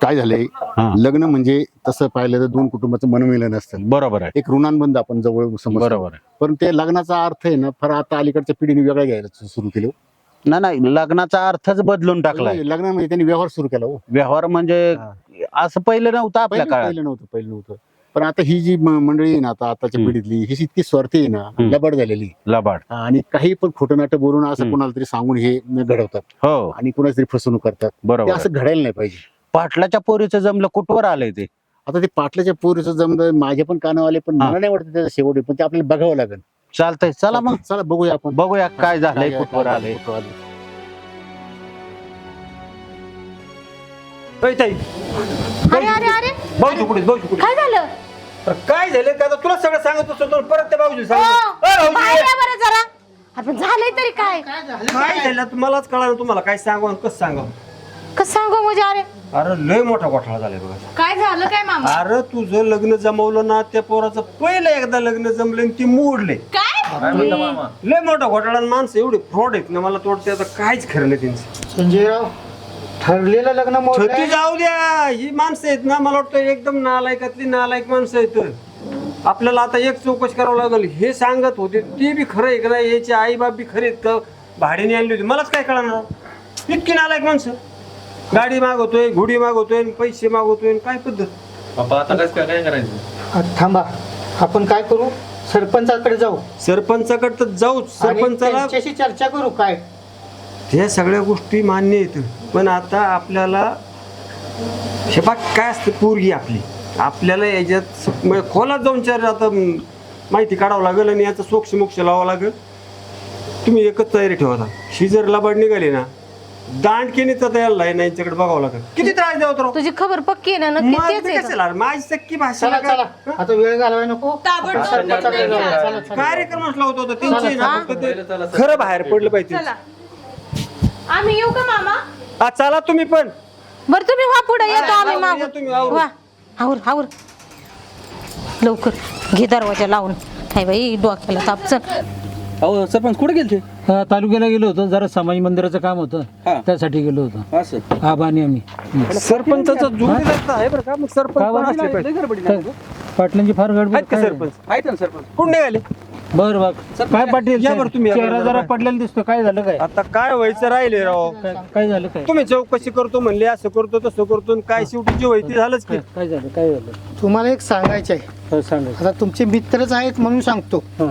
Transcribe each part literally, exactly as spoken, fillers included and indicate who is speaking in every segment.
Speaker 1: काय झालंय, लग्न म्हणजे तसं पाहिलं तर दोन कुटुंबाचं मनमिलन असतं.
Speaker 2: बरोबर आहे,
Speaker 1: एक ऋणानुबंध आपण जवळ समजतो.
Speaker 2: बरोबर आहे.
Speaker 1: पण ते लग्नाचा अर्थ आहे ना, फार आता अलीकडच्या पिढीने वेगळा घ्यायला सुरू केलं.
Speaker 2: नाही नाही, लग्नाचा अर्थच बदलून टाकलाय.
Speaker 1: लग्न म्हणजे त्यांनी व्यवहार सुरू केला. हो,
Speaker 2: व्यवहार म्हणजे असं पहिलं नव्हतं आपल्या
Speaker 1: पहिलं
Speaker 2: काळात.
Speaker 1: पहिलं नव्हतं पहिलं नव्हतं पण आता ही जी म- मंडळी आहे ना, आता आताच्या
Speaker 2: हम्म.
Speaker 1: पिढीतली ही इतकी स्वार्थी आहे ना,
Speaker 2: हम्म.
Speaker 1: लबाड झालेली.
Speaker 2: लबाड.
Speaker 1: आणि काही पण खोटं नाटक बोलून असं
Speaker 2: हम्म.
Speaker 1: कोणाला तरी सांगून हे घडवतात
Speaker 2: हो
Speaker 1: आणि कोणाची तरी फसवणूक करतात. ते
Speaker 2: बरोबर.
Speaker 1: असं घडायला नाही पाहिजे.
Speaker 2: पाटलाच्या पोरीचं जमलं कुठवर आलंय ते.
Speaker 1: आता ते पाटलाच्या पोरीचं जमलं, माझे पण कानावर आले, पण
Speaker 2: हा.
Speaker 1: मला नाही वाटत त्याचा शेवट आहे. पण ते आपल्याला बघावं लागेल.
Speaker 2: चालतंय, चला मग
Speaker 1: चला बघूया आपण.
Speaker 2: बघूया काय झालंय,
Speaker 1: काय-
Speaker 2: कुठवर
Speaker 1: काय-
Speaker 2: आलंय.
Speaker 1: कुठवर आलंय.
Speaker 3: ताई ताई
Speaker 4: अरे अरे अरे
Speaker 3: भाऊजी कुठे भाऊजी कुठे
Speaker 4: काय झालं?
Speaker 3: अरे काय झालं का आता तुला सगळं सांगत असतो तर परत त्या भाऊजी
Speaker 4: ओ,
Speaker 3: सांग
Speaker 4: बाहेर या बरं जरा. अरे पण झालंय तरी काय?
Speaker 3: काय झालं तुम्हालाच कळालं, तुम्हाला काय सांगू आणि कसं सांगावं.
Speaker 4: कसं सांगू म्हणजे? अरे
Speaker 3: अरे लय मोठा घोटाळा झालाय बघा.
Speaker 4: काय झालं काय मामा?
Speaker 3: अरे तुझं लग्न जमवलं ना, त्या पोराचं पहिलं एकदा लग्न जमलं आणि ती मोडले.
Speaker 4: काय?
Speaker 3: लय मोठा घोटाळा आणि माणसं एवढे फ्रॉड आहेत ना, मला तर वाटतं आता काहीच खरं नाही त्यांचं.
Speaker 5: संजयराव, ठरलेलं लग्न
Speaker 3: छती
Speaker 5: मोडलंय.
Speaker 3: जाऊ द्या, ही माणसं आहेत ना, मला वाटतं एकदम नालायकातली नालायक माणसं आहेत. आपल्याला आता एक चौकशी करावं लागेल. हे सांगत होते ते बी खरं आहे का नाही, याचे आई बाप बी खरे आहेत का, भाड्याने आणली होती, मलाच काय कळणार. इतकी नालायक माणसं, गाडी मागवतोय, घोडी मागवतोय, पैसे मागवतोय, काय पद्धत.
Speaker 6: बाबा आता कसं काय काय करायचं?
Speaker 5: आ, थांबा, आपण काय करू, सरपंचाकडे जाऊ
Speaker 3: सरपंचाकडे तर जाऊ,
Speaker 5: आणि
Speaker 3: सरपंचाला
Speaker 5: त्यांच्याशी चर्चा करू. काय
Speaker 3: ह्या सगळ्या गोष्टी मान्य आहेत, पण आता आपल्याला हे बघ काय असतं, पोरगी आपली, आपल्याला याच्यात म्हणजे खोलात जाऊन चार आता म, माहिती काढावं लागेल आणि याचा सोक्ष मोक्ष लावावं लागेल. तुम्ही एकच तयारी ठेवा आता. ही जर लबाड निघाली ना, दांडकेने तर यायला नाही, यांच्याकडे बघावं लागेल. किती त्रास द्यावं तर
Speaker 4: तुझी खबर पक्की आहे ना? नक्की तेच आहे का?
Speaker 3: माझी सक्की भाषा
Speaker 5: चला चला, आता वेळ घालवाय नको.
Speaker 4: ताबडतोब
Speaker 5: आपण सरपंचाकडे जाऊ. चला, चला.
Speaker 3: कार्यक्रमच लावतो होता त्यांची ना,
Speaker 4: हा.
Speaker 3: फक्त ते खरं बाहेर पडलं पाहिजे.
Speaker 4: चला आम्ही येऊ का मामा?
Speaker 3: हा, चला तुम्ही पण.
Speaker 4: बरं तुम्ही वा पुढे, येतो आम्ही
Speaker 3: आवरून या तुम्ही, आवरून.
Speaker 4: मागून. वा आवर आवर लवकर घे दरवाजा लावून. हाय बाई डोक्याला ताप. चल.
Speaker 6: अहो सरपंच कुठे गेलते?
Speaker 7: हा, तालुक्याला गेलो होतो, जरा समाज मंदिराचं काम होतं,
Speaker 6: हा.
Speaker 7: त्यासाठी गेलो होतो.
Speaker 6: असं
Speaker 7: आबा आणि आम्ही.
Speaker 3: सरपंचाचा जोडीदार आहे बरं का, मग सरपंच
Speaker 7: काय
Speaker 3: पण
Speaker 7: बरं?
Speaker 3: असले पाहिजे.
Speaker 7: काय? पाटलांची फार गडबड
Speaker 3: आहेत का
Speaker 7: काय?
Speaker 3: सरपंच?
Speaker 6: आहेत ना सरपंच.
Speaker 3: कुठे निघाले?
Speaker 7: बरं बघ, काय पाटील
Speaker 3: या बरं तुम्ही, या बरं,
Speaker 7: चेहरा
Speaker 3: जरा
Speaker 7: जरा
Speaker 3: बाहेर.
Speaker 7: पडलेला दिसतो. काय झालं काय?
Speaker 3: आता काय व्हायचं राहिले राव.
Speaker 7: काय- काय झालं काय?
Speaker 3: तुम्ही चौकशी करतो म्हणले, असं करतो तसं करतो, आणि काय शेवटी जे व्हायचं ते झालंच की.
Speaker 7: काय काय झालं काय झालं?
Speaker 5: तुम्हाला एक सांगायचं आहे.
Speaker 7: हो, सांगा.
Speaker 5: आता तुमचे मित्रच आहेत म्हणून सांगतो.
Speaker 7: हा.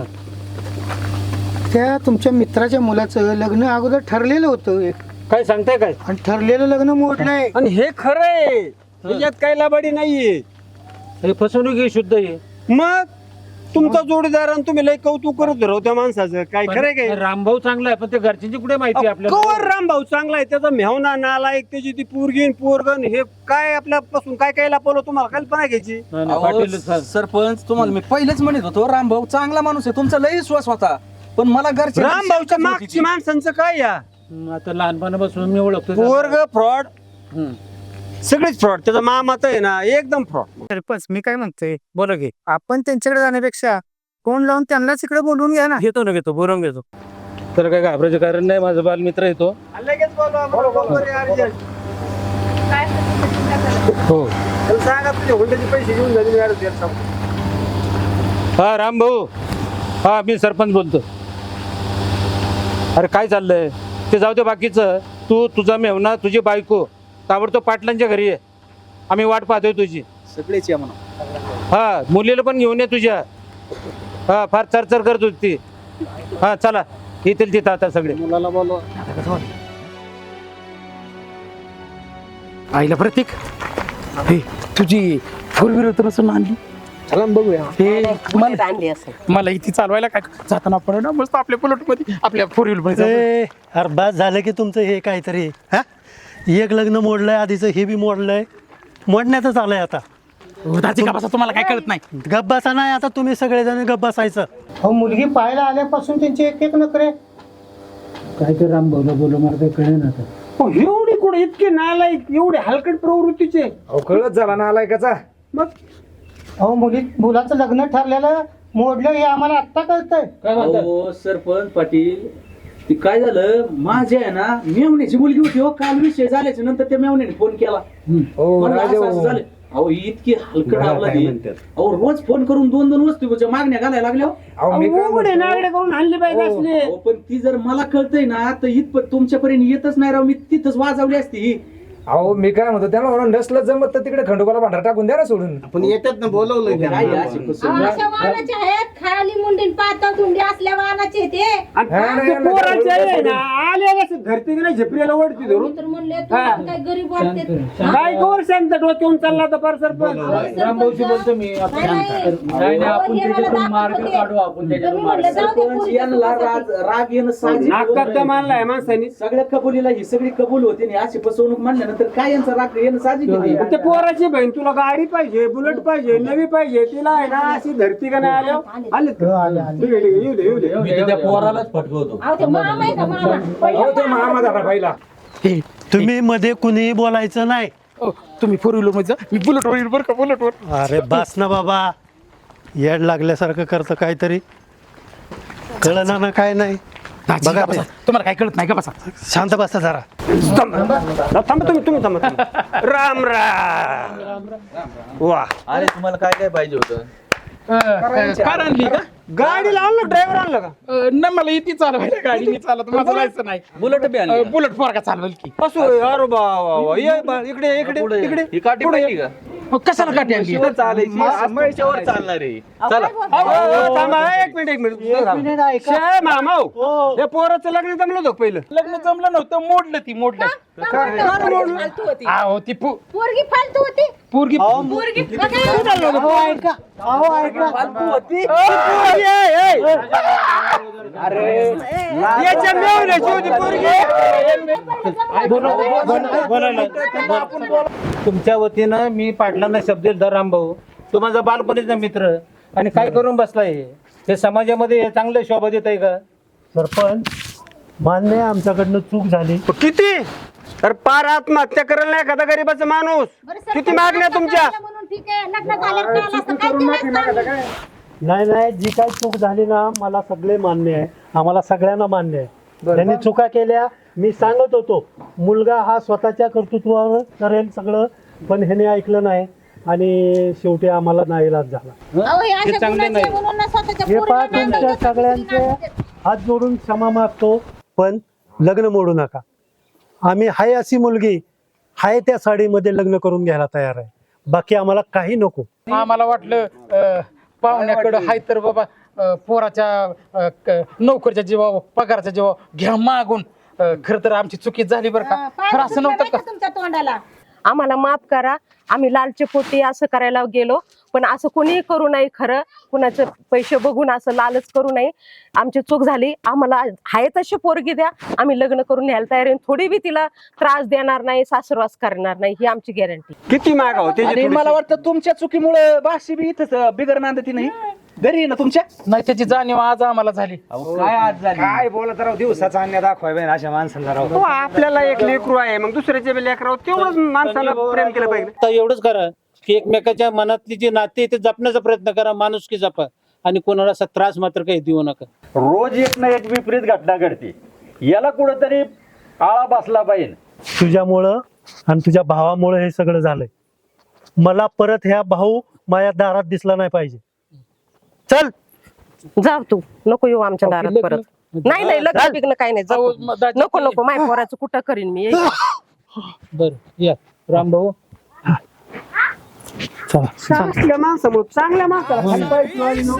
Speaker 5: त्या तुमच्या मित्राच्या मुलाचं लग्न अगोदर ठरलेलं होतं एक,
Speaker 7: काय सांगताय काय?
Speaker 5: आणि ठरलेलं लग्न मोडलंय.
Speaker 3: आणि हे खरं आहे, ह्याच्यात काही लबाडी नाहीये.
Speaker 7: हे फसवणूक आहे, शुद्ध आहे.
Speaker 3: मग तुमचा जोडीदार आणि तुम्ही लय कौतुक करत राहू त्या माणसाचं, काय खरंय काय?
Speaker 7: पण रामभाऊ चांगला आहे, पण ते घरच्यांची कुठे माहिती आपल्याला?
Speaker 3: कवर राम भाऊ चांगला आहे, त्याचा मेहना नालायक, त्याची ती पोरगीन पोरगन, हे काय आपल्यापासून काय काय लपवलं, तुम्हाला कल्पना घ्यायची.
Speaker 7: नाही, नाही,
Speaker 6: अहो,
Speaker 7: पाटील सा-
Speaker 6: सरपंच तुम्हाला मी पहिलेच म्हणत होतो, रामभाऊ चांगला माणूस आहे, तुमचा लय विश्वास होता, पण मला घरचे
Speaker 3: राम भाऊच्या मागची माणसांचं काय या
Speaker 7: हं, आता लहानपणापासून मी ओळखतो.
Speaker 3: पोरग फ्रॉड,
Speaker 7: हं.
Speaker 3: सगळीच फ्रॉड. त्याचा मामा तर आहे ना एकदम फ्रॉड.
Speaker 5: सरपंच, मी काय म्हणतोय, बोला की आपण त्यांच्याकडे जाण्यापेक्षा फोन लावून त्यांनाच इकडे बोलवून घ्या ना.
Speaker 7: घेतो ना घेतो बोलवून घेतो. तर काय घाबरायचं कारण नाही, माझा बालमित्र येतो.
Speaker 3: लगेच बोलवा, बरोबर आहे, अर्जंट.
Speaker 7: हो.
Speaker 3: त्याला सांगा तुझे हुंड्याचे पैसे घेऊन झाले, मी अर्ज द्यायला सांगतो.
Speaker 7: हा राम भाऊ, हा मी सरपंच बोलतो. अरे काय चाललंय ते जाऊ दे, बाकीचं तू, तुझा मेहना, तुझी बायको ताबडतोब पाटलांच्या घरी आहे. आम्ही वाट पाहतोय तुझी.
Speaker 6: सगळेच या म्हणा.
Speaker 7: हा, मुलीला पण घेऊन ये तुझ्या. हा, फार चरचर करत होती ती. हा चला, येतील तिथं आता सगळे.
Speaker 5: मुलाला बोलवा.
Speaker 8: आईला प्रतीक, हे तुझी फोर व्हीलर तर असं आणली.
Speaker 5: चला बघूया.
Speaker 8: हे मला मला इथे चालवायला काय जाताना पडे ना, मस्त आपल्या बुलेट मध्ये, आपल्या फोर व्हीलर मध्ये.
Speaker 9: अरे बस झालं की तुमचं हे काहीतरी. हा, एक लग्न मोडलंय, आधीचं हे बी मोडलंय, मोडण्यातच आलंय आता.
Speaker 8: का तुम्हाला काय कळत नाही?
Speaker 9: गप्पासा नाही, आता तुम्ही सगळेजण गप्प बसायचं.
Speaker 5: हो, मुलगी पाहायला आल्यापासून त्यांचे एक एक नखरे.
Speaker 7: काय ते राम भाऊला बोलू, मला काही कळेल ना आता.
Speaker 3: हो, एवढी कुठे इतके नालायक, एवढे हलकट प्रवृत्तीचे.
Speaker 5: कळत झाला ना आलायकाचा.
Speaker 3: मग
Speaker 5: अहो, मुली मुलाचं लग्न ठरलेलं मोडलं हे आम्हाला आत्ता कळतंय.
Speaker 7: काय म्हणतात?
Speaker 6: अहो सरपंच पाटील, ती काय झालं माझ्या आहे ना मेवण्याची मुलगी होती हो काल विषय झाल्याच्या नंतर त्या मेवण्याने फोन केला म्हणलं असं असं झालं. अहो इतकी हलकट आपला अहो रोज फोन करून दोन दोन वस्तूच्या मागण्या घालायला लागल्या
Speaker 8: करून आणली पाहिजे
Speaker 6: अहो, पण ती जर मला कळतंय ना तर इथपर्यंत तुमच्यापर्यंत येतच नाही राव मी तिथंच वाजवली असती ही.
Speaker 10: अहो मी काय म्हणतो त्याला म्हणून नसलं जमत तर तिकडे खंडोबाला भांडार टाकून द्या ना सोडून.
Speaker 1: पण येतात ना बोलवलं
Speaker 6: काय आहे अशी कुसुम?
Speaker 4: अशा वाहनाचे आहेत खाली मुंडीन पातळ धुंडी असल्या वाहनाचे ते
Speaker 8: धरती नाही झेपरीला ओढती धरून
Speaker 4: मी तर म्हणले तुम्हाला काय गरीब वाटते
Speaker 8: काय कवर शांत डोक्यावरून चालला तर पर सरपंच
Speaker 6: रामभाऊशी बोलतो मी आपण नाही नाही आपण त्याच्यातून मार्ग काढू आपण त्याच्यातून सरपंच यांना राग राग येणं साहजिक
Speaker 8: मानलाय माणसानी
Speaker 6: सगळ्या कबुलीला ही सगळी कबूल होती आणि अशी फसवणूक मानल्यानंतर काय यांचा राग येणं साहजिक आहे.
Speaker 8: ते पोराची बहीण तुला गाडी पाहिजे बुलेट पाहिजे नवी पाहिजे तिला आहे ना अशी धरती का नाही आल्या आले ठीक आहे ठीक आहे येऊ दे येऊ दे
Speaker 6: मी तर त्या पोरालाच फटकवतो.
Speaker 4: अहो ते मामा आहे का मामा
Speaker 10: हो तो महामा झाला पहिला.
Speaker 9: हे, तुम्ही मध्ये कुणीही बोलायचं नाही.
Speaker 8: तुम्ही फोर व्हीलर मध्ये जा मी बुलेट वर बरं का बुलेट वर
Speaker 9: अरे बस ना बाबा, येड लागल्यासारखं करतं काहीतरी, कळना ना काय नाही. बघा ते.
Speaker 8: तुम्हाला काय कळत नाही का बसा
Speaker 9: शांत बसा जरा.
Speaker 8: थांबा तुम्ही तुम्ही थांबा राम राम वा
Speaker 6: अरे तुम्हाला काय काय पाहिजे होतं?
Speaker 8: कार आणली का गाडी आणलं ड्रायव्हर आणलं का नाही मला इथे चालवायला गाडी मी चालत माझं जायचं नाही
Speaker 6: बुलेट बी आणली?
Speaker 8: बुलेट पोरगा चालवेल की
Speaker 6: असो अरे बा ये बा, इकडे इकडे इकडे ही काठी पाहिजे का?
Speaker 8: कशाला काठी आणली
Speaker 6: चालायची चालणार आहे. चला
Speaker 8: थांबा एक मिनिट एक मिनिट शे मामा हे पोराचं लग्न जमलं होतं पहिलं लग्न जमलं नव्हतं मोडलं ती मोडलं अहो ती पो-
Speaker 4: पोरगी फालतू होती
Speaker 8: पोरगी
Speaker 4: पोरगी
Speaker 8: फालतू होती अरे याच्या मेवण्याची होती
Speaker 2: तुमच्या वतीनं मी पाटलांना शब्द दिला रामभाऊ, तो माझा बालपणीचा मित्र आणि काय करून बसलाय हे? हे समाजामध्ये हे चांगलं शोभा देत आहे का?
Speaker 9: सरपंच मान्य आहे, आमच्याकडनं चूक झाली.
Speaker 8: किती तर पार आत्महत्या करायला नाही एखादा गरीबाचा माणूस किती मागण्या तुमच्या
Speaker 4: म्हणून ठीक आहे लग्न झाल्यावर कळलं असतं काय केलं असतं?
Speaker 9: नाही नाही, जी काय चूक झाली ना मला सगळे मान्य आहे, आम्हाला सगळ्यांना मान्य आहे. त्यांनी चुका केल्या, मी सांगत होतो मुलगा हा स्वतःच्या कर्तृत्वावर करेल सगळं, पण ह्याने ऐकलं नाही आणि शेवटी आम्हाला नाईलाज झाला.
Speaker 4: अहो, हे अशा गुणाचे म्हणून ना स्वतःच्या
Speaker 9: हे पहा,
Speaker 4: पोरीला
Speaker 9: तुमच्या
Speaker 4: नाही
Speaker 9: सगळ्यांचे
Speaker 4: नाही
Speaker 9: हात जोडून क्षमा मागतो, पण लग्न मोडू नका. आम्ही हाय अशी मुलगी हाय त्या साडीमध्ये लग्न करून घ्यायला तयार आहे, बाकी आम्हाला काही नको.
Speaker 8: आम्हाला वाटलं अं, पाहुण्याकडं हाय तर बाबा अं, पोराच्या अं, क- नोकरीच्या जीवावर पगाराच्या जीवावर घ्या मागून. अं, खरं तर आमची चुकी झाली बरं का, खरं असं नव्हतं का?
Speaker 4: तुमच्या तोंडाला
Speaker 11: आम्हाला माफ करा, आम्ही लालचे पोटी असं करायला गेलो, पण असं कोणीही करू नये. खरं कुणाचे पैसे बघून असं लालच करू नये. आमची चूक झाली, आम्हाला आहे तशी पोरगी द्या, आम्ही लग्न करून न्यायला तयार आहे. थोडी बी तिला त्रास देणार नाही, सासरवास करणार नाही, ही आमची गॅरंटी.
Speaker 8: किती मागा होते
Speaker 6: आणि मला वाटतं तुमच्या चुकीमुळे बाशी बी इथंच बिगर नांदती नाही घरी आहे ना तुमच्या.
Speaker 8: नाही त्याची जाणीव आज आम्हाला झाली.
Speaker 6: काय आज झाली
Speaker 10: काय बोलत राव, दिवसाचा अन्य दाखवाय अशा माणसाला राव.
Speaker 8: हो, आपल्याला एक लेकरू आहे, मग दुसऱ्याचे बी लेकराव तेवढंच माणसाला प्रेम केलं पाहिजे.
Speaker 2: तर एवढंच करा की एकमेकाच्या मनातली जी नाती आहे ते जपण्याचा प्रयत्न करा, माणुसकी जपा आणि कोणाला असा त्रास मात्र काही देऊ नका.
Speaker 7: रोज एक ना एक विपरीत घटना घडते, याला कुठंतरी आळा बसला पाहिजे.
Speaker 9: तुझ्यामुळं आणि तुझ्या भावामुळं हे सगळं झालंय. मला परत ह्या भाऊ माझ्या दारात दिसला नाही पाहिजे. चल
Speaker 11: जाऊ तू, नको येऊ आमच्या दारात परत. नाही नाही, लग्न बिग्न काही नाही, जाऊ. नको नको, माय पोराचं कुठं करीन मी.
Speaker 2: बरं या रामभाऊ.
Speaker 8: चांगल्या माणसामुळे चांगल्या माणसाला खाली पाहिजे नाही ना.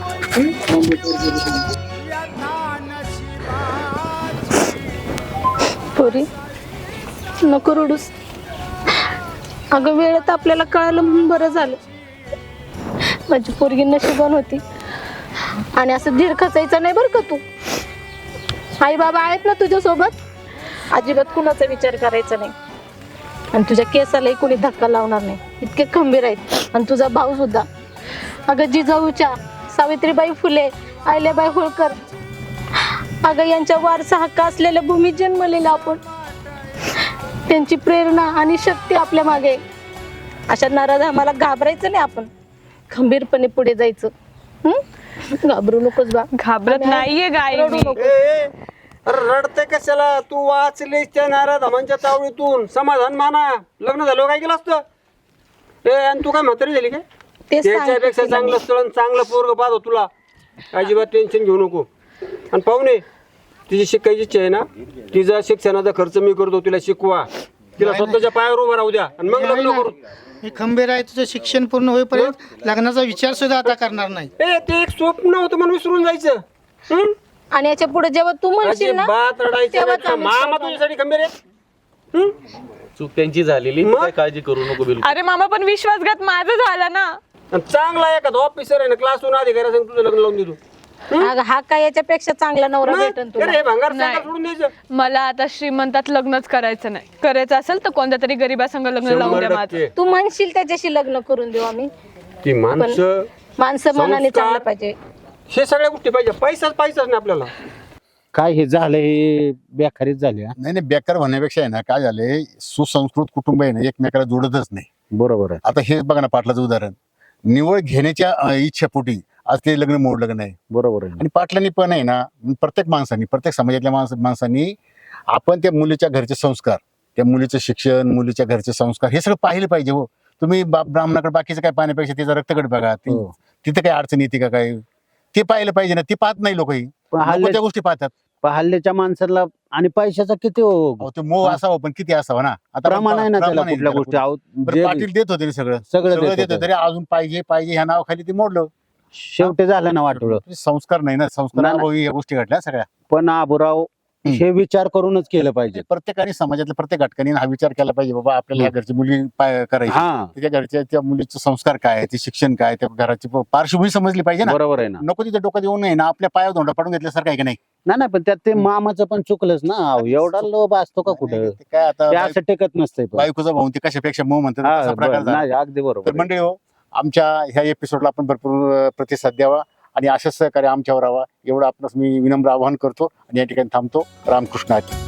Speaker 4: पोरी नको रडूस. अगं वेळेत आपल्याला कळालं म्हणून बरं झालं. माझी पोरगी नशिबान होती आणि असं धीर खचायचं नाही बरं का तू. आई बाबा आहेत ना तुझ्या सोबत, अजिबात कुणाचा विचार करायचा नाही आणि तुझ्या केसालाही कुणी धक्का लावणार नाही, इतके खंबीर आहेत. आणि तुझा भाऊ सुद्धा. अगं जिजाऊच्या सावित्रीबाई फुले, अहिल्याबाई होळकर, अगं यांच्या वारसा हक्क असलेल्या भूमीत जन्मलेला आपण. त्यांची प्रेरणा आणि शक्ती आपल्या मागे आहे. अशा नाराज आम्हाला घाबरायचं नाही, आपण खंबीरपणे पुढे जायचं. हम्म घाबरू नकोस बा.
Speaker 11: घाबरत नाहीये गाय
Speaker 4: रडू
Speaker 11: मी.
Speaker 4: नको.
Speaker 3: अरे रडते कशाला? तू वाचलीस त्या नारा धामांच्या तावडीतून, समाधान माना. लग्न झालं काय केलं असतं? ए आणि तू काय म्हातारी झाली काय?
Speaker 4: ते
Speaker 3: त्याच्यापेक्षा
Speaker 4: सांगते
Speaker 3: चांगलं स्थळ आणि चांगलं पोरग पाहतो तुला. अजिबात टेन्शन घेऊ नको. आणि पाहुणे, तिची शिकायची इच्छा आहे ना, तिचा शिक्षणाचा खर्च मी करतो. तिला शिकवा, तिला स्वतःच्या पायावर उभं राहू द्या आणि मग लग्न करू.
Speaker 5: मी खंबीर आहे, तुझं शिक्षण पूर्ण होईपर्यंत लग्नाचा विचार सुद्धा आता करणार नाही.
Speaker 3: ए ते एक स्वप्न होतं म्हणून विसरून जायचं. हं?
Speaker 4: आणि याच्या पुढे जेव्हा तू म्हणशील ना
Speaker 3: अजिबात रडायचं
Speaker 4: तेव्हाच
Speaker 3: नाही.
Speaker 4: आम्ही
Speaker 3: मामा
Speaker 4: सोबत.
Speaker 3: तुझ्यासाठी खंबीर आहे. हं?
Speaker 6: चूक त्यांची झालेली,
Speaker 3: मग?
Speaker 6: काय काळजी करू नको बिलकुल.
Speaker 11: अरे मामा पण विश्वासघात माझं झाला ना.
Speaker 3: आणि चांगला एखादा ऑफिसर आहे ना, क्लासहून अधिकारी सांग तुझं लग्न लावून देतो.
Speaker 4: अगं, हा काय याच्यापेक्षा चांगला नवरा
Speaker 3: मग?
Speaker 4: भेटन तुला.
Speaker 3: अरे भांगार
Speaker 11: नाही.
Speaker 3: सांगा सोडून द्यायचं.
Speaker 11: मला आता श्रीमंतात लग्नच करायचं नाही. करायचं असेल तर कोणत्या तरी गरीबासंग लग्न लावून
Speaker 3: शंभर
Speaker 11: द्या माझं.
Speaker 3: टक्के.
Speaker 4: तू म्हणशील त्याच्याशी लग्न करून देऊ आम्ही.
Speaker 3: ती माणसं,
Speaker 4: माणसं मनाने
Speaker 3: संस्कार.
Speaker 4: चांगलं पाहिजे.
Speaker 3: हे सगळ्या गोष्टी पाहिजे. पैसाच पैसाच नाही आपल्याला.
Speaker 2: काय हे झालं, हे बेकारीच झाली हा.
Speaker 1: नाही नाही बेकार म्हणण्यापेक्षा आहे ना, काय झालंय, सुसंस्कृत कुटुंब आहे ना एकमेकाला जोडतच नाही.
Speaker 2: बरोबर आहे.
Speaker 1: आता हे बघा ना, पाटलाचं उदाहरण, निवड घेण्याच्या अं, इच्छापोटी आज ते लग्न मोडलं लग्न आहे.
Speaker 2: बरोबर आहे.
Speaker 1: आणि पाटलांनी पण आहे ना, प्रत्येक माणसांनी, प्रत्येक समाजातल्या माणस माणसांनी आपण त्या मुलीच्या घरचे संस्कार, त्या मुलीचं शिक्षण, मुलीच्या घरचे संस्कार हे सगळं पाहिलं पाहिजे. हो, तुम्ही बा- ब्राह्मणाकडे बाकीचं काय पाहण्यापेक्षा तिचा रक्तगट बघा. ती-
Speaker 2: हो.
Speaker 1: तिथं काय अडचण येते का काय, ते पाहिलं पाहिजे ना. ते पाहत नाही लोकही,
Speaker 2: पण हल्ले-
Speaker 1: त्या गोष्टी पाहतात.
Speaker 2: पण हल्ल्याच्या माणसाला आणि पैशाचा किती हो,
Speaker 1: अहो, ते मोह असावा पण किती असावा ना. आता
Speaker 2: प्रमाण आहे ना त्याला
Speaker 1: प्रमाण आहे
Speaker 2: कुठल्या
Speaker 1: त्याला
Speaker 2: गोष्टी. अहो,
Speaker 1: बरं,
Speaker 2: जे
Speaker 1: पाटील देत होते ना सगळं
Speaker 2: सगळं
Speaker 1: सगळं
Speaker 2: देत
Speaker 1: देत होते,
Speaker 2: होते.
Speaker 1: तरी अजून पाहिजे पाहिजे ह्या नावाखाली ते मोडलं.
Speaker 2: शेवटी झालं ना वाटोळं.
Speaker 1: संस्कार नाही ना, संस्कार
Speaker 2: नाही,
Speaker 1: अभावी या गोष्टी घडल्या सगळ्या.
Speaker 2: पण आबुराव हे विचार करूनच केलं पाहिजे.
Speaker 1: प्रत्येकाने समाजातल्या प्रत्येक घटकाने हा विचार केला पाहिजे, बाबा आपल्याला ह्या घरची मुलगी पाय- करायची,
Speaker 2: हा,
Speaker 1: त्याच्या घरच्या त्या मुलीचे संस्कार काय आहे, ते शिक्षण काय, त्या घराची प- पार्श्वभूमी समजली पाहिजे ना.
Speaker 2: बरोबर आहे ना.
Speaker 1: नको तिथे डोक्यात येऊन नाही ना आपल्या पायावर धोंडा पाडून घेतल्यासारखं आहे का नाही.
Speaker 2: नाही नाही, पण त्यात ते मामाचं पण चुकलंच ना. अहो, एवढा लोभ असतो का कुठं?
Speaker 1: ते काय आता
Speaker 2: ते असं टेकत नसतंय पण.
Speaker 1: बायकोचा भाऊ ते कशापेक्षा मऊ म्हणतात
Speaker 2: हा,
Speaker 1: तसा प्रकार
Speaker 2: बरं,
Speaker 1: झाला.
Speaker 2: नाही, अगदी
Speaker 1: तर
Speaker 2: बरोबर आहे.
Speaker 1: मंडळी हो, आमच्या ह्या एपिसोडला आपण भरपूर अं, प्रतिसाद द्यावा आणि अशाच सहकार्य आमच्यावर हवा, एवढं आपणास मी विनम्र आवाहन करतो आणि या ठिकाणी थांबतो. रामकृष्ण हरी.